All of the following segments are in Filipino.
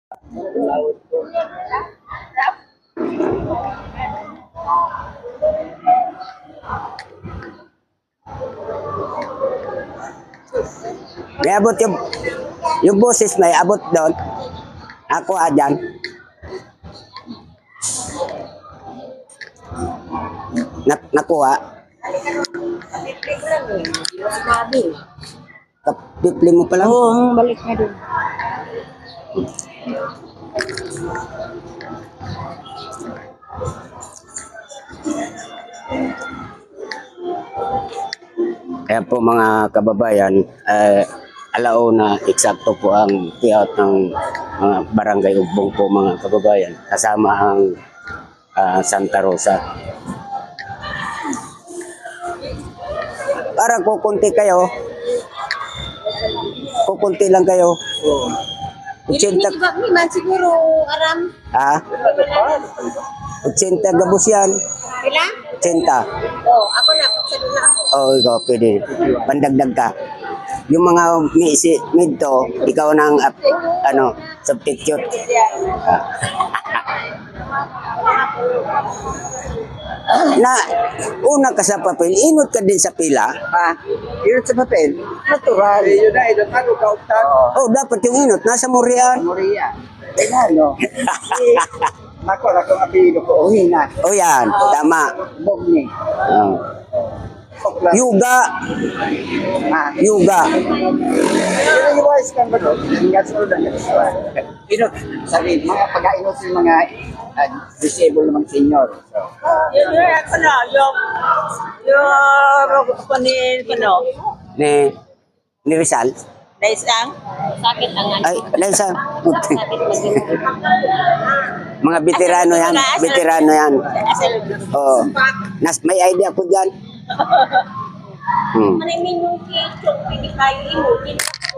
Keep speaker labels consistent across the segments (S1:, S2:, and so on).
S1: May abot yung boses may abot doon. Ako dyan. Nakuha. Kapitli mo pa lang?
S2: Oo, balik na doon.
S1: Kaya po mga kababayan, alauna eksakto po ang payout ng mga barangay Ugbong po mga kababayan. Kasama ang Santa Rosa. Parang kukunti kayo. Kukunti lang kayo. 80.
S2: Siguro, aram.
S1: Ha? 80 gabos yan.
S2: Ilan?
S1: 80.
S2: Oo, ako na. Pagsalun na ako.
S1: Oo, ikaw pwede. Pandagdag ka. Yung mga midto, ikaw nang substitute. Na una ka sa papel, inot ka din sa pila.
S3: Inot sa papel? Natural. Yun na, inot na, kauptan.
S1: Oh, dapat yung inot. Nasa Morian.
S3: Moria. Ano? Mako na kung apelido ko, Uhina.
S1: Oh, yan. Tama.
S3: Bogni.
S1: Yuga. Yuga.
S3: Pero yung wise kan ba doon? Hinggat sa ulan. Inot. Sabi, mga pag-inot yung mga disabled ng mga senior.
S2: Yung
S1: Ni Rizal.
S2: Naisang? Sakit ang ano.
S1: Ay, Rizal. Mga veterano yan. Veterano yan. Oh. May idea ko dyan.
S2: Manimin yung kitchen, pwede kayo inutin.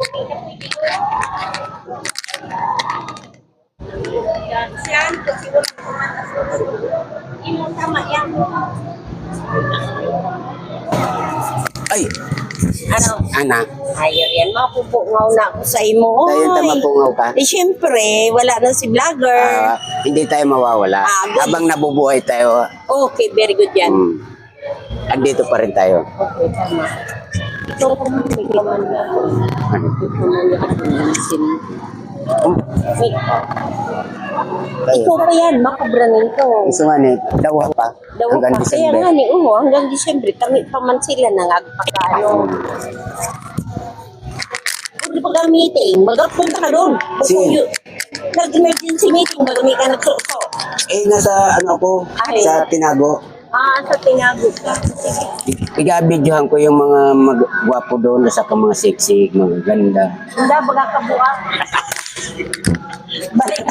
S2: Yan, kasi wala kumatas. Inong tama yan.
S1: Ay,
S2: Ano?
S1: anak.
S2: Ayaw yan, mapupungaw na ako sa imo.
S1: Tayo mapungaw ka.
S2: Eh, syempre, wala na si vlogger.
S1: Hindi tayo mawawala.
S2: Good.
S1: Habang nabubuhay tayo,
S2: Okay, very good yan.
S1: andito pa rin tayo.
S2: Okay, tama. Ito ko may kaman na. Ito ko may sin. Ikaw pa yan, makabranin ko.
S1: Gusto nga ni, dawa pa.
S2: Daw
S1: Hanggang
S2: pa, kaya
S1: December.
S2: nga ni Uho, hanggang Disyembre, kami pa man sila nangagpakano. Kung di pa ka meeting, magpunta ka doon.
S1: Sige.
S2: Nag-emergency meeting, magami ka nagsuso.
S1: Nasa ko,
S2: Ay.
S1: sa Tinago.
S2: Sa tinagot ka.
S1: Iga-videohan ko yung mga magwapo doon, sa mga sexy, mga ganda.
S2: Hindi, baga ka buwak. Balik.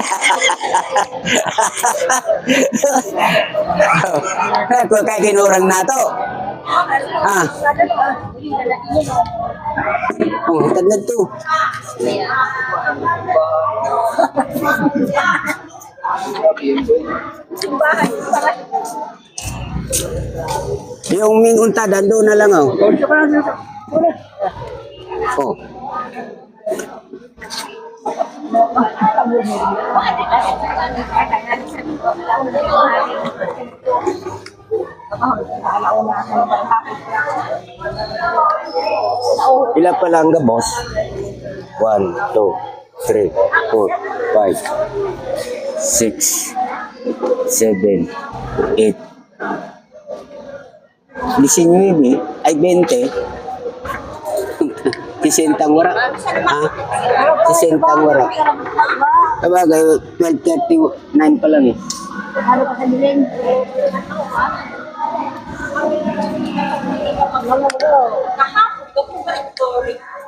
S1: Kung kaya kinurang na to. Tagad to. Yung Ming Untadan doon na lang oh. Oh. Ilan pa lang ga boss? 1, 2, 3, 4, 5, 6, 7, 8. 19 ay 20. Sisentang wara. Ha? Sisentang wara. Sabagay, 12:39 pa lang eh.
S2: Ano pa sa bilin? Kahapon ko kung